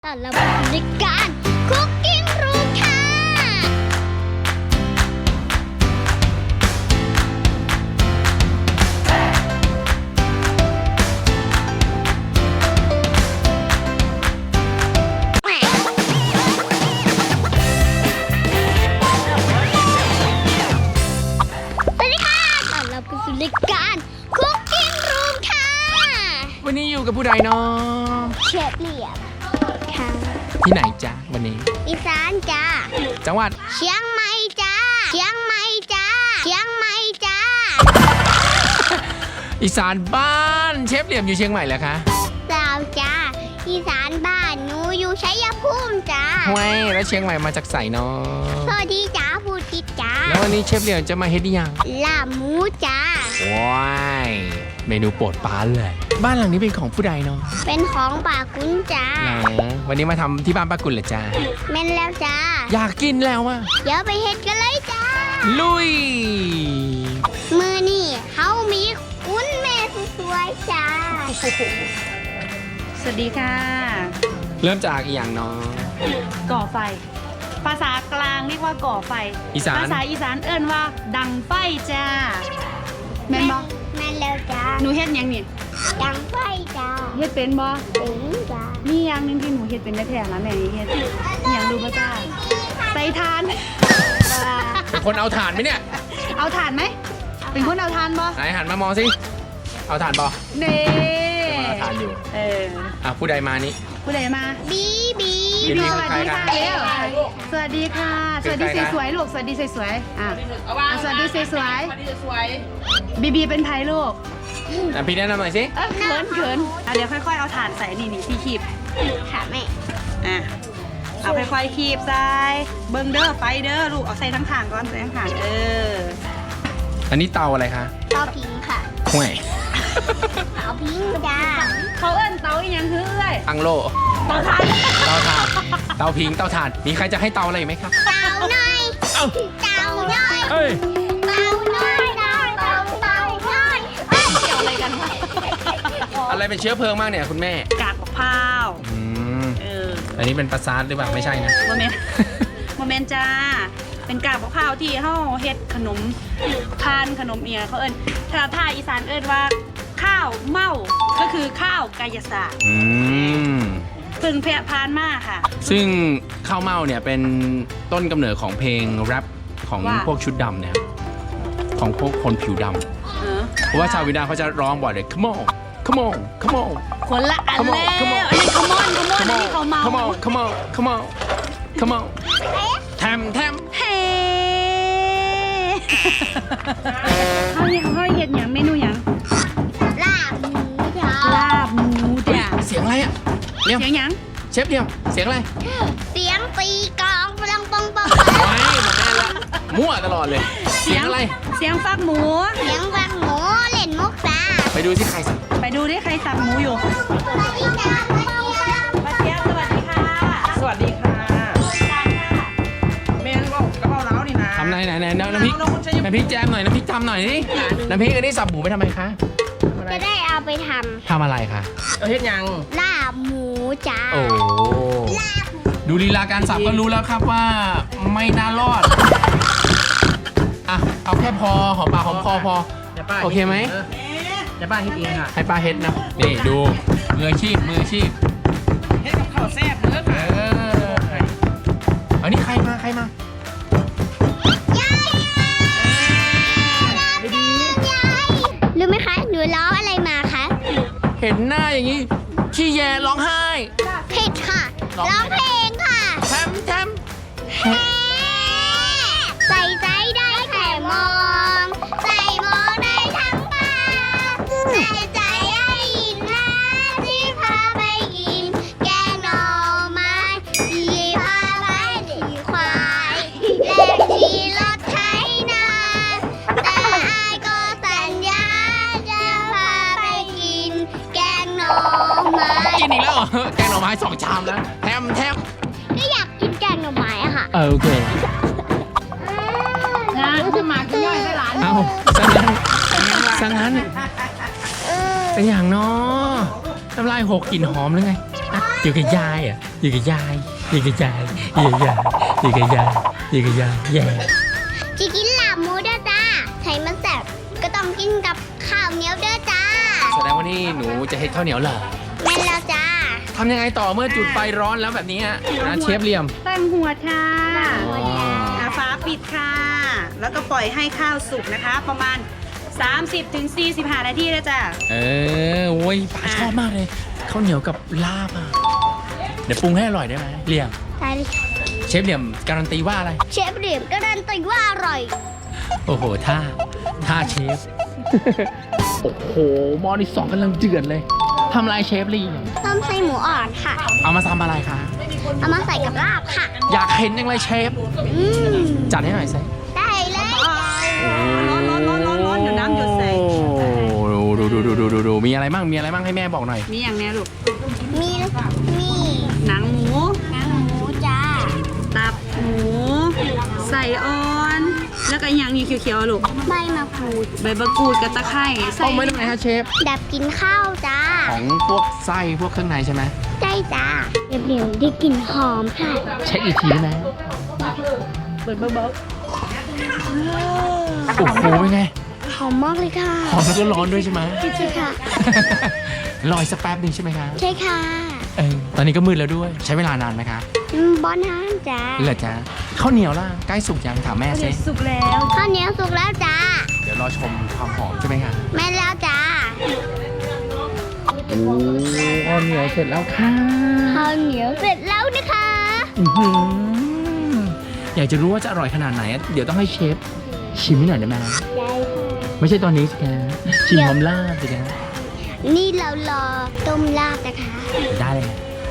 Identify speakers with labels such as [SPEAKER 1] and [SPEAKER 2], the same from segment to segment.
[SPEAKER 1] ตอนเราในการคุกกิ้งรูมค่ะสวัสดีค่ะตอนเราไปสู่รายการคุกกิ้งรูมค่ะ
[SPEAKER 2] วันนี้อยู่กับผู้ใดเนาะ
[SPEAKER 1] เชฟเหลี่ยมค่ะ
[SPEAKER 2] ที่ไหนจ๊ะวันนี้
[SPEAKER 1] อีสานจ้า
[SPEAKER 2] จังหวัด
[SPEAKER 1] เชียงใหม่จ้าเชียงใหม่จ้าเชียงใหม่จ้า
[SPEAKER 2] อีสานบ้านเชฟเหลี่ยมอยู่เชียงใหม่แล้วคะ
[SPEAKER 1] สาวจ้าอีสานบ้านหนูอยู่ชัยภูมิจ้า
[SPEAKER 2] ห้วยแล้วเชียงใหม่มาจากไสเนาะ
[SPEAKER 1] สวัสดีจ้าพูดติดจ้า
[SPEAKER 2] แล้ววันนี้เชฟเหลี่ยมจะมาเฮ็ดยัง
[SPEAKER 1] ลาบหมูจ้า
[SPEAKER 2] ว้ายเมนูโปรดป้าเลย บ้านหลังนี้เป็นของผู้ใดเนาะ
[SPEAKER 1] เป็นของป่ากุ้นจ้า
[SPEAKER 2] วันนี้มาทำที่บ้านป้ากุลเหรอจ้า
[SPEAKER 1] แม่นแล้วจ้า
[SPEAKER 2] อยากกินแล้วอะ
[SPEAKER 1] เดี๋ยวไปเฮ็ดกันเลยจ้า
[SPEAKER 2] ลุย
[SPEAKER 1] มือนี่เขามีกุ้นแม่สวยๆจ้า
[SPEAKER 3] สวัสดีค่ะ
[SPEAKER 2] เริ่มจากอีกอย่างเนาะ
[SPEAKER 3] ก่อไฟ ภาษากลางเรียกว่าก่อไฟ
[SPEAKER 2] อีสาน
[SPEAKER 3] ภาษาอีสานเอิ้นว่า ดังไฟจ้าแม่นบ่
[SPEAKER 1] แม่นแล้วจ้า
[SPEAKER 3] หนูเฮ็ดหยังนี่
[SPEAKER 1] ดังไฟจ้า
[SPEAKER 3] เฮ็ดเป็นบ่
[SPEAKER 1] ถึงจ้า
[SPEAKER 3] มีอย่างหนึงที่หนูเฮ็ดเป็นได้แท้นะแม่เฮ็ดอหยังดูบ่จ้าใส่ทาน
[SPEAKER 2] เป็นคนเอาถ่านไหมเนี่ย
[SPEAKER 3] เอาทานไหมเป็นคนเอาทานบ่
[SPEAKER 2] ไหนหันมามองสิเอาถ่านปอ
[SPEAKER 3] เน่
[SPEAKER 2] เอาถ่านอยู่
[SPEAKER 3] เออ
[SPEAKER 2] ผู้ใดมานี่
[SPEAKER 3] ผู้ใดมา
[SPEAKER 1] บีบี
[SPEAKER 2] บีบี
[SPEAKER 3] สวัสดีค่ะเร็วสวัสดีค่ะ สวัสดี
[SPEAKER 2] เป็นใครคะ
[SPEAKER 3] สวยๆลูกสวัสดีสวยๆสวัสดีสวยๆบีบีเป็นไผ่ลูก
[SPEAKER 2] พี่แนะนำหน่อยสิ
[SPEAKER 3] เขินเดี๋ยวค่อยๆเอาถ่านใส่นี่ที่คีบ
[SPEAKER 1] ค่ะแม่
[SPEAKER 3] อ่ะเอาค่อยๆคีบใส่เบิ้งเด้อไฟเด้อลูกเอาใส่ทั้งถ่านก่อนใส่ทั้งถ่าน
[SPEAKER 2] อันนี้เตาอะไรคะ
[SPEAKER 1] เตาพิงค่ะ
[SPEAKER 2] ห่วย
[SPEAKER 1] เตาพิงจ้า
[SPEAKER 3] เขาเอิ้นเตาอีหยังคือเอ้ย
[SPEAKER 2] อังโล
[SPEAKER 3] เตาถ่าน
[SPEAKER 2] เตาถ่าน เตาพิง เตาถ่าน มีใครจะให้เตาอะไรอีกไหมครับ
[SPEAKER 1] เตาหน่อย
[SPEAKER 2] เอ้า
[SPEAKER 1] เตาหน่อย
[SPEAKER 2] เอ้ย
[SPEAKER 1] เตาหน่อยเตาหน่อย
[SPEAKER 3] เกี่ยวอะไรกันวะ
[SPEAKER 2] อะไรเป็นเชื้อเพลิงมากเนี่ยคุณแม่
[SPEAKER 3] กากมะพร้าว
[SPEAKER 2] อันนี้เป็นปลาซาร์หรือเปล่าไม่ใช่นะ
[SPEAKER 3] โมเมนต์ โมเมนต์จ้าเป็นกากมะพร้าวที่เฮาเฮ็ดขนมทานขนมเอียเขาเอิ้นถ้าอีสานเอิ้นว่าข้าวเม่าก็คือข้าวกายศาสตร์ เพึ่งแพร่พานมากค่ะ
[SPEAKER 2] ซึ่งข้าวเม่าเนี่ยเป็นต้นกำเนิดของเพลงแรปของ
[SPEAKER 3] ว่า
[SPEAKER 2] พวกชุดดำเนี่ยของพวกคนผิวดำ เพราะว่าชาววินาเขาจะร้องบ่อยเลย come on come on come on
[SPEAKER 3] คนละอัน
[SPEAKER 2] Come on
[SPEAKER 3] แล้ว
[SPEAKER 2] come on
[SPEAKER 3] อันนี้ขมอนอันนี้เขาเมา
[SPEAKER 2] come on come on come on come on แทมแทม
[SPEAKER 3] เฮ้เขาเห็ดอย่างเมนูอย่าง
[SPEAKER 1] ลาบหมูจ้า
[SPEAKER 3] ลาบหมูจ้ะ
[SPEAKER 2] เสียงอะไรอะเลี่ยม
[SPEAKER 3] เสียงหยัง
[SPEAKER 2] เชฟเลี่ยมเสียงอะไร
[SPEAKER 1] เสียงตีกลองปลังปองปอง
[SPEAKER 2] ไว้มาแน่ละมั่วตลอดเลย เสียงอะไร
[SPEAKER 3] เสียงฟักหมู
[SPEAKER 1] เสียงฟังหมูเล่นมุกจ้า
[SPEAKER 2] ไปดูที่ใครสัก
[SPEAKER 3] ไปดูดิใครสับหมูอยู่
[SPEAKER 1] สวัสดีจ้า
[SPEAKER 3] มาเชียร์สวัสดีค่ะ
[SPEAKER 4] สวัสดีค่ะเมนบอกกระเพราเล้านี่นะ
[SPEAKER 2] ทำไหนน้ำพริกน้ำพริกแจมหน่อยน้ำพริกทำหน่อยสิน้ำพริกอันนี้สับหมูไปทำไมคะ
[SPEAKER 1] จะได้เอาไปท
[SPEAKER 2] ทำอะไรคะ
[SPEAKER 4] เอาเฮ็ดยัง
[SPEAKER 1] ำลาบหมูจ้า
[SPEAKER 2] โอ้ดูลีลาการสับก็รู้แล้วครับว่าไม่น่ารอดอ่ะเอาแค่พอหอมปากหอมคอพอ
[SPEAKER 4] ดี๋ยวป้า
[SPEAKER 2] โอเคไหม
[SPEAKER 4] เดี๋ยวป้าเฮ็ดเองค่ะ
[SPEAKER 2] ให้ป้าเฮ็ดนะนี่ดูมืออาชีพมืออาชีพ
[SPEAKER 4] เฮ็ดกับข้าวแซ่บเนื้อ
[SPEAKER 2] เอ
[SPEAKER 4] ค่ะ
[SPEAKER 2] ออันนี้ใครมา
[SPEAKER 1] รู้ไหมคะหนูร้องอะไรมาคะ
[SPEAKER 2] เห็นหน้าอย่างนี้ขี้แยร้องไห้
[SPEAKER 1] ผิดค่ะ ร้องเพลงค่ะ
[SPEAKER 2] แทมแทม
[SPEAKER 1] ใส่ใจได้แค่มอง ใส่มองได้ทั้งตาใส่ใจได้ยินนะที่พาไปกิน แกงหน่อไม้ที่พาไปที่ควายและที่รถไถนาแต่อายก็สัญญาจะพาไปกิน แกงหน่อไม้
[SPEAKER 2] กินอีกแล้วเหรอแกงหน่อไม้2 ชามแล้วแทมแทม
[SPEAKER 1] ก็อยากกินแกงหน่อไม้อะค่ะ
[SPEAKER 2] โอเค
[SPEAKER 3] นะจะมากินย่อยให้หลาน
[SPEAKER 2] เอาซะงั้นเป็นอย่างเนาะน้ำลายหกกลิ่นหอมหรือไง
[SPEAKER 1] อ้า
[SPEAKER 2] อยู่กับยายอ่ะอยู่กับยายอยู่กับยายอยู่กับยายอยู่กับยายอยู่กับยายแย่
[SPEAKER 1] จะกินลาบหมูเด้อจ้าใช้มันแซ่บก็ต้องกินกับข้าวเหนียวเด้อจ้า
[SPEAKER 2] แสดงว่านี่หนูจะเฮ็ดข้าวเหนียวเหรอ
[SPEAKER 1] แม่นแล้วจ้า
[SPEAKER 2] ทำยังไงต่อเมื่อจุดไฟร้อนแล้วแบบนี้นะเชฟเหลี่ยม
[SPEAKER 3] ตั้งหัวค่ะ
[SPEAKER 2] อ๋อ
[SPEAKER 3] ฝาปิดค่ะ แล้วก็ปล่อยให้ข้าวสุกนะคะ ประมาณ 30-45 นาทีนะจ๊ะ
[SPEAKER 2] โอ้ยป้าชอบมากเลยข้าวเหนียวกับลาบอ่ะเดี๋ยวปรุงให้อร่อยได้ไหมเหลี่ยม
[SPEAKER 1] ได้เลยค่ะ
[SPEAKER 2] เชฟเหลี่ยมการันตีว่าอะไร
[SPEAKER 1] เชฟเหลี่ยมการันตีว่าอร่อย
[SPEAKER 2] โอ้โหท่าเชฟ โอ้โหหม้อที่สองกำลังเดือดเลยทำอะไรเชฟเหลี่ยม
[SPEAKER 1] ต้มไส้หมูอ่อนค่ะ
[SPEAKER 2] เอามาทำอะไรคะ
[SPEAKER 1] เอามาใส่กับลาบค่ะ
[SPEAKER 2] อยากเห็นยังไงเชฟ
[SPEAKER 1] อืม
[SPEAKER 2] จัดให้หน่อยสิ
[SPEAKER 1] ได้เลยจ้า
[SPEAKER 3] ร้อนเดี๋ยวน้ำหยดใส่
[SPEAKER 2] ดูมีอะไรมั่งให้แม่บอกหน่อย
[SPEAKER 3] มีอย่างเนี้ยลูก
[SPEAKER 1] มีมี
[SPEAKER 3] หนังหมู
[SPEAKER 1] หนังหมูจ้า
[SPEAKER 3] ตับหมู ใส่อ่อน แล้วก็อย่างนี้เขียวๆลูก
[SPEAKER 1] ใบมะกรูด
[SPEAKER 3] ใบมะกรูดกับตะไคร้ใส่
[SPEAKER 2] ต้มไว้ตรงไหนฮะเชฟ
[SPEAKER 1] ดับกินข้าวจ้า
[SPEAKER 2] ของพวกไส้พวกเครื่องในใช่ไหม
[SPEAKER 1] ใช่จ้าเหลี่ยมได้กลิ่นหอมค่ะ
[SPEAKER 2] เช็คอีกทีได้ไหม
[SPEAKER 3] เปิดเบา
[SPEAKER 2] โอ้โหเป็นไง
[SPEAKER 1] หอมมากเลยค่ะ
[SPEAKER 2] หอมแล้วก็ร้อนด้วยใช่ไหม
[SPEAKER 1] ใช่ค่ะ
[SPEAKER 2] รออีกสักแป๊บหนึ่งใช่ไหมคะ
[SPEAKER 1] ใช่ค่ะ
[SPEAKER 2] ตอนนี้ก็มืดแล้วด้วย ใช้เวลานานไหมคะ
[SPEAKER 1] บอนน้ำจ้า
[SPEAKER 2] เหลือจ้าข้าวเหนียวล่ะใกล้สุกยังถามแม่
[SPEAKER 3] ๆ
[SPEAKER 2] สิ
[SPEAKER 3] สุกแล้ว
[SPEAKER 1] ข้าวเหนียวสุกแล้วจ้า
[SPEAKER 2] เดี๋ยวรอชมความหอมใช่ไหมคะ
[SPEAKER 1] แม่นแล้วจ้า
[SPEAKER 2] โอ้ข้าวเหนียวเสร็จแล้วค่ะ
[SPEAKER 1] ข้าวเหนียวเสร็จแล้วนะคะ
[SPEAKER 2] อื้อหืออยากจะรู้ว่าจะอร่อยขนาดไหน เดี๋ยวต้องให้เชฟชิมให้หน่อยได้ไหม
[SPEAKER 1] ได้ค่ะ
[SPEAKER 2] ไม่ใช่ตอนนี้สิคะชิมพร้อมลาบสิคะ
[SPEAKER 1] นี่เรารอต้มลาบนะคะ
[SPEAKER 2] ได้เลย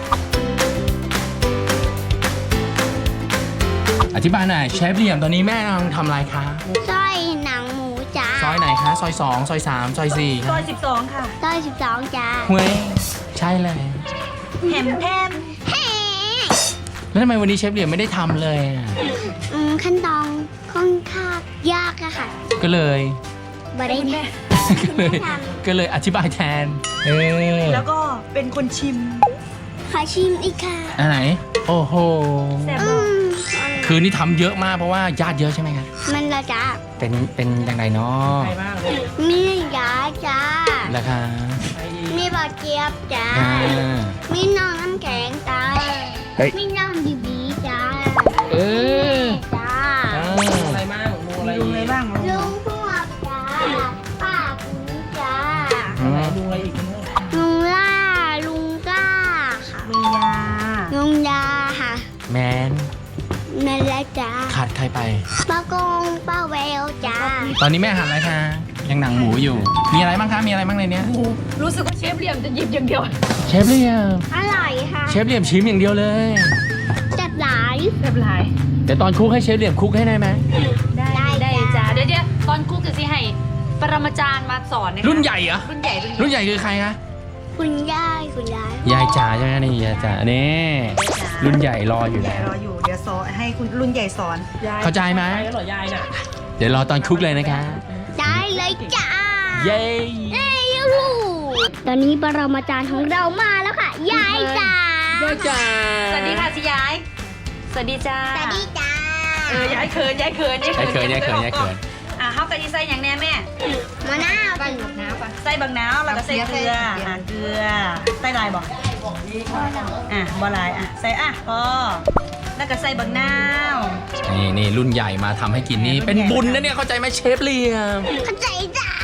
[SPEAKER 2] อธิบายหน่อยเชฟเหลี่ยมตอนนี้แม่กำลังทำอะไรคะ
[SPEAKER 1] สร้อยหนังหมูจ้า
[SPEAKER 2] ซอยไหนคะซอย2ซอย3ซอย4
[SPEAKER 3] ซอย12 ค่ะ
[SPEAKER 1] สร้อย12จ้า
[SPEAKER 2] เว้ยใช่เลย
[SPEAKER 3] แฮม
[SPEAKER 1] แฮ่
[SPEAKER 2] แล้วทำไมวันนี้เชฟเหลี่ยมไม่ได้ทำเลยอะ
[SPEAKER 1] ขั้นตอนค่อนข้างยากอะค่ะ
[SPEAKER 2] ก็เลย
[SPEAKER 1] บ่ได้แม่
[SPEAKER 2] ก็เลยอธิบายแทน
[SPEAKER 3] แล้วก็เป็นคนชิม
[SPEAKER 1] ขอชิมอีกค่ะ
[SPEAKER 2] อันไหน โอ้โห
[SPEAKER 3] แซ่บ
[SPEAKER 1] อืม
[SPEAKER 2] คืนนี้ทำเยอะมากเพราะว่าญาติเยอะใช่ไหมคะ
[SPEAKER 1] มันละจ้า
[SPEAKER 2] เป็นอย่างไรเนาะ
[SPEAKER 4] ใครบ้างเลย
[SPEAKER 1] มียาจ้า
[SPEAKER 2] ราคา
[SPEAKER 1] มีบอเจี๊ยบจ้า
[SPEAKER 2] อ่า
[SPEAKER 1] มีน้องน้ำแข็งจ้า
[SPEAKER 2] เฮ้ย
[SPEAKER 1] มีน้องบีบีจ้า
[SPEAKER 2] เออ
[SPEAKER 1] จ้า
[SPEAKER 4] อะไรบ้างมูอะไร
[SPEAKER 3] ดูอะไรบ้าง
[SPEAKER 1] ลุงพวกจ้า ป้าคุณจ้า
[SPEAKER 4] ดูอะไรอีกเนี่ย
[SPEAKER 1] ลุงล่า ลุงก้าค่ะ
[SPEAKER 3] มียา
[SPEAKER 1] ลุงยาค่ะ
[SPEAKER 2] แมน
[SPEAKER 1] นั่นแหละจ้า
[SPEAKER 2] ขาดใครไป
[SPEAKER 1] ป้ากงป้าแววจ้า
[SPEAKER 2] ตอนนี้แม่หั่นอะไรคะยังหนังหมูอยู่ มีอะไรบ้างคะมีอะไรบ้างในเนี้ย
[SPEAKER 3] รู้สึกว่าเชฟเหลี่ยมจะหยิบอย่างเดียว
[SPEAKER 2] เชฟเหลี่ยม
[SPEAKER 1] อร่อยค่ะ
[SPEAKER 2] เชฟเหลี่ยมชิมอย่างเดียวเลย
[SPEAKER 1] จัดหลาย
[SPEAKER 3] แบบไร
[SPEAKER 2] เดี๋ยวตอนคุกให้เชฟเหลี่ยมคุกให้ได้ไหม
[SPEAKER 3] ได้จ้าเดี๋ยวตอนคุกจะสิให้ปรมาจารย์มาสอนนะคะ
[SPEAKER 2] รุ่นใหญ่เหรอ
[SPEAKER 3] รุ่นใหญ่
[SPEAKER 2] รุ่นใหญ่คือใครคะ
[SPEAKER 1] คุณยาย
[SPEAKER 2] ยายจ๋าใช่ไหมนี่ยายจ๋านี่รุ่นใหญ่รออยู่
[SPEAKER 3] ใหญ่
[SPEAKER 2] แล้ว
[SPEAKER 3] รออยู่เดี๋ยวสอนให้คุณรุ่นใหญ่สอน
[SPEAKER 2] เข้าใจไหม
[SPEAKER 4] ใครก็หล่อยายน่ะ
[SPEAKER 2] เดี๋ยวรอตอนคุกเลยนะคะ
[SPEAKER 1] ได้เลยจ้า
[SPEAKER 2] เย้
[SPEAKER 1] เอ้ยลูกตอนนี้ปรมาจารย์ของเรามาแล้วค่ะ ยายจ๋าย
[SPEAKER 2] ายจ๋า
[SPEAKER 3] สวัสดีค่ะสิยาย สวัสดีจ้า
[SPEAKER 1] สวัสดีจ้า
[SPEAKER 3] ยายเขิน
[SPEAKER 2] ยายเขิน
[SPEAKER 3] เขากะทิใส่อย่างแน่แม่
[SPEAKER 1] มะนาวจ้ะ
[SPEAKER 3] ใส่บางนาวแล้วก็ใส่เกลือเกลือใส่ลายบอกบ่ลายใส่พอแล้วก็ใส่บางนาว
[SPEAKER 2] นี่รุ่นใหญ่มาทำให้กินนี่เป็นบุญนะเนี่ยเข้าใจไหมเชฟเหลี่ยม
[SPEAKER 1] เข้าใจจ้า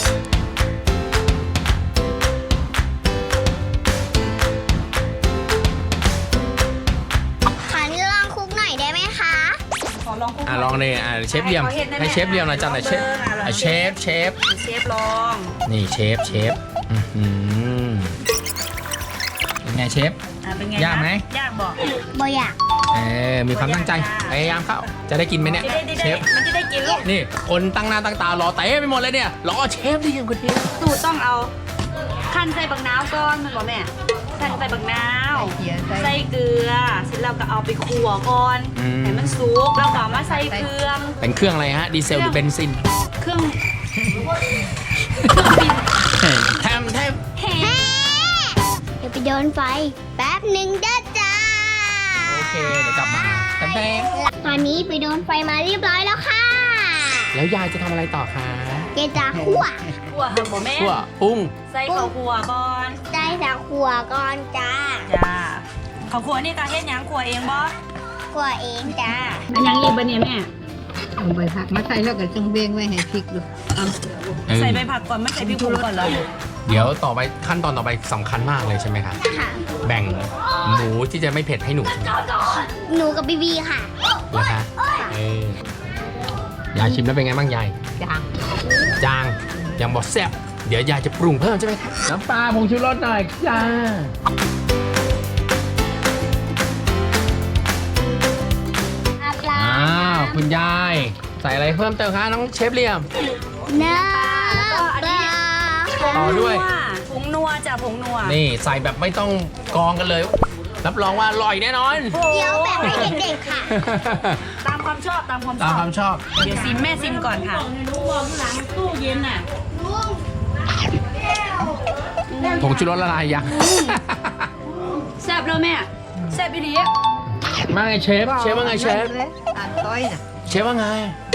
[SPEAKER 1] ขอลองคุกหน่อยได้ไหมคะ
[SPEAKER 3] ขอลองคุก
[SPEAKER 2] ลองเลยเชฟเหลี่ยมให้เชฟเหลี่ยมหน่อยจังหน่อยเชฟเชฟ
[SPEAKER 3] เชฟลอง
[SPEAKER 2] นี่เชฟอื้อหือเป็นไงเชฟ
[SPEAKER 3] เป็นไง
[SPEAKER 2] ยากไหม
[SPEAKER 3] ยากบอก
[SPEAKER 1] บ่อยาก
[SPEAKER 2] มีความตั้งใจพยายามเข้าจะได้กินไหมเนี่ยเชฟ
[SPEAKER 3] มันจะได้กินลูก
[SPEAKER 2] นี่คนตั้งหน้าตั้งตารอเต้ไปหมดเลยเนี่ยรอเชฟที่ยังคนเดียว
[SPEAKER 3] สูตรต้องเอาขั้นใส่บางนาวก่อนมันบอกแม่ขั้นใส่บางนาวใส่เกลือเสร็จแล้วก็เอาไปคั่วก่อนให้มันสุกแล้วก็เอามาใส่เครื่อง
[SPEAKER 2] เป็นเครื่องอะไรฮะดีเซลหรือเบนซิน
[SPEAKER 3] เครื่อง
[SPEAKER 2] แทม
[SPEAKER 1] แฮ่อย่าไปโดนไฟแป๊บหนึ่งเด้อจ้า
[SPEAKER 2] โอเคเดี๋ยวกลับมาแป๊บ
[SPEAKER 1] ตอนนี้ไปโดนไฟมาเรียบร้อยแล้วค่ะ
[SPEAKER 2] ๆแล้วยายจะทำอะไรต่อคะ
[SPEAKER 1] เกจะคั่ว
[SPEAKER 3] ขัวบ่แม่
[SPEAKER 2] คั่วปรุง
[SPEAKER 3] ใส่ข้าวขัวก่อน
[SPEAKER 1] ได้จากขัวก่อนจ้า
[SPEAKER 3] จ้าข้าวขัวนี่ก็เฮ็ดหยังขัวเองบ่
[SPEAKER 1] ขัวเองจ้า
[SPEAKER 3] อันยังอีกบ่เนี่ยแม่
[SPEAKER 5] เอาใบผักมาใส่แล้วก็จงเบงไว้ให้พริกดูเอา
[SPEAKER 2] เออ
[SPEAKER 3] ใส่ใบผักก่อนไม่ใส่พริกผงก่อนเหรอ
[SPEAKER 2] เดี๋ยวต่อไปขั้นตอนต่อไปสำคัญมากเลยใช่ไหมคะ
[SPEAKER 1] ค่ะ
[SPEAKER 2] แบ่งหมูที่จะไม่เผ็ดให้หนูใช่ไหม
[SPEAKER 1] หนูกับบีบีค่ะ
[SPEAKER 2] เหรอคะยายชิมแล้วเป็นไงบ้างยาย
[SPEAKER 5] จาง
[SPEAKER 2] จางยังบอกแซ่บเดี๋ยวยายจะปรุงเพิ่มใช่ไหมครับน้ำปลาผงชูรสหน่อยจ้าอ้าวคุณยายใส่อะไรเพิ่มเติมคะน้องเชฟเหลี่ยม
[SPEAKER 1] น้ำปลา
[SPEAKER 2] ต่อด้วย
[SPEAKER 3] ผงนัวจ้ะผงนัว
[SPEAKER 2] นี่ใส่แบบไม่ต้องกรองกันเลย รับรองว่าอร่อยแน่นอน
[SPEAKER 1] เดี๋ยวแบบให้เด็กๆค่ะ
[SPEAKER 3] ตามความชอบตามความช
[SPEAKER 2] ตาม
[SPEAKER 3] อบ
[SPEAKER 2] ความชอบ
[SPEAKER 3] เดี๋ยวซิมแม่ซิมก่อนค่ะ
[SPEAKER 2] ผงชูรสละลายยัง
[SPEAKER 3] แซ่บแล้วแม่แซ่บอีหลี
[SPEAKER 2] มาไงเชฟว่าไงเชฟ
[SPEAKER 5] อ่านต้อยน่ะ
[SPEAKER 2] เชฟว่าไง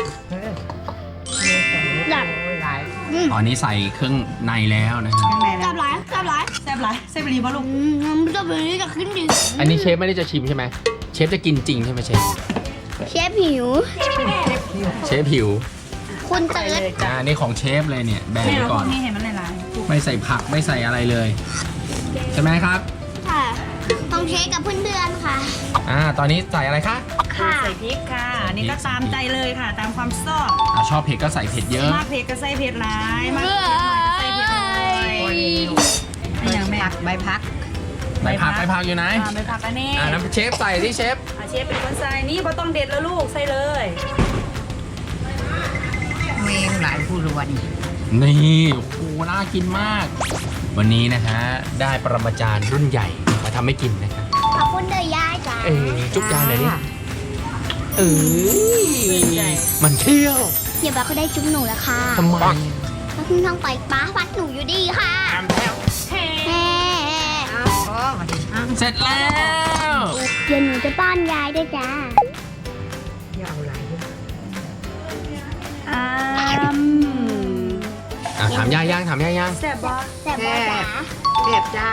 [SPEAKER 1] หลับ
[SPEAKER 5] โอ้ยหลาย
[SPEAKER 2] ตอนนี้ใส่เครื่องในแล้วนะครับ
[SPEAKER 5] ข้างใน
[SPEAKER 1] จั
[SPEAKER 5] นะ
[SPEAKER 1] บหลายจับหลาย
[SPEAKER 3] แซ่บหลายแซ่บอีหลีบ่ลูก
[SPEAKER 1] จับแบบนี้จะขึ้นดิ
[SPEAKER 2] อันนี้เชฟไม่ได้จะชิมใช่ไหมเชฟจะกินจริงใช่ไหมเชฟ
[SPEAKER 1] เชฟหิว
[SPEAKER 2] เชฟหิว
[SPEAKER 1] คุณเติร์ด
[SPEAKER 2] นี่ของเชฟเลยเนี่ยแบ่ง
[SPEAKER 3] แม่
[SPEAKER 2] ไว้
[SPEAKER 3] เอาพ
[SPEAKER 2] ก่
[SPEAKER 3] ว
[SPEAKER 2] อก น
[SPEAKER 3] นี้เห็นมันหลาย
[SPEAKER 2] ไม่ใส่ผักไม่ใส่อะไรเลย ใช่ไหมครับ
[SPEAKER 1] ค่ะต้องเชฟกับเพื่อนๆค่ะ
[SPEAKER 2] ตอนนี้ใส่อะไรคะ
[SPEAKER 3] ๆ
[SPEAKER 1] ค่ะ
[SPEAKER 3] ใส่พริกค่ะอันนี้ก็ตามใจเลยค่ะ ตามความชอบ
[SPEAKER 2] ชอบเผ็ดก็ใส่เผ็ดเยอะ
[SPEAKER 3] มากเผ็ดก็ใส่เผ็ดหลายมากเผ็ดน้อยใส่เผ็ดน้อย
[SPEAKER 5] โอ้ย
[SPEAKER 3] นี่อย่างแม่
[SPEAKER 5] ผักใบผัก
[SPEAKER 2] ใบผักอยู่ไหน
[SPEAKER 3] ใบผักอันนี้
[SPEAKER 2] น้ำเชฟใส่ที่เชฟ
[SPEAKER 3] เชฟเป็นคนใส่นี่พอต้องเด็ดแล้วลูกใส่เลย
[SPEAKER 5] เมงหลายผู้รวน
[SPEAKER 2] นี่โอ้โหน่ากินมาก วันนี้นะฮะได้ปรมาจารย์รุ่นใหญ่มาทำให้กินนะครับ
[SPEAKER 1] ขอบคุณเดยายจ้า
[SPEAKER 2] จุ๊บยายหน่อยดิมันเที่ยว
[SPEAKER 1] เดี๋ยวบ้าก็ได้จุ๊บหนูแล้วค่ะ
[SPEAKER 2] ทำไม
[SPEAKER 1] แล้วคุณต้องไปป้าวัดหนูอยู่ดีค่ะแฮ่
[SPEAKER 5] อ้าวอ๋อมาดิอ้าว
[SPEAKER 2] เสร็จแล้ว
[SPEAKER 1] เดี๋ยวหนูจะป้อนยายด้วยจ้า
[SPEAKER 5] อย่าเอาหลาย
[SPEAKER 2] ถามยายยังถามยายยัง
[SPEAKER 3] แซ่บบ่
[SPEAKER 1] แต่บอจ๋า
[SPEAKER 5] เรียบจ้า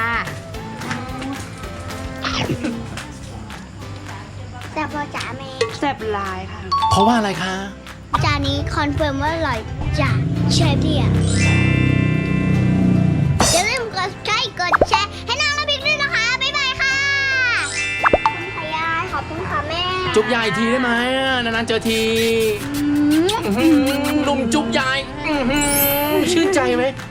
[SPEAKER 1] แต่บอจ๋าแม่
[SPEAKER 3] แซ่บหลายค่ะ
[SPEAKER 2] เพราะว่าอะไรคะ
[SPEAKER 1] จานนี้คอนเฟิร์มว่าอร่อยจ้ะเชฟเดียอย่าลืมกดไลค์กดแชร์ให้น้องน้ำพริกด้วยนะคะ บ๊ายบายค่ะ ขอบคุณค่ะยาย ขอบคุณค่ะแม่
[SPEAKER 2] จุ๊บยายอีกทีได้ไหมนานๆเจอทีลุมจุ๊บยายชื่นใจไหม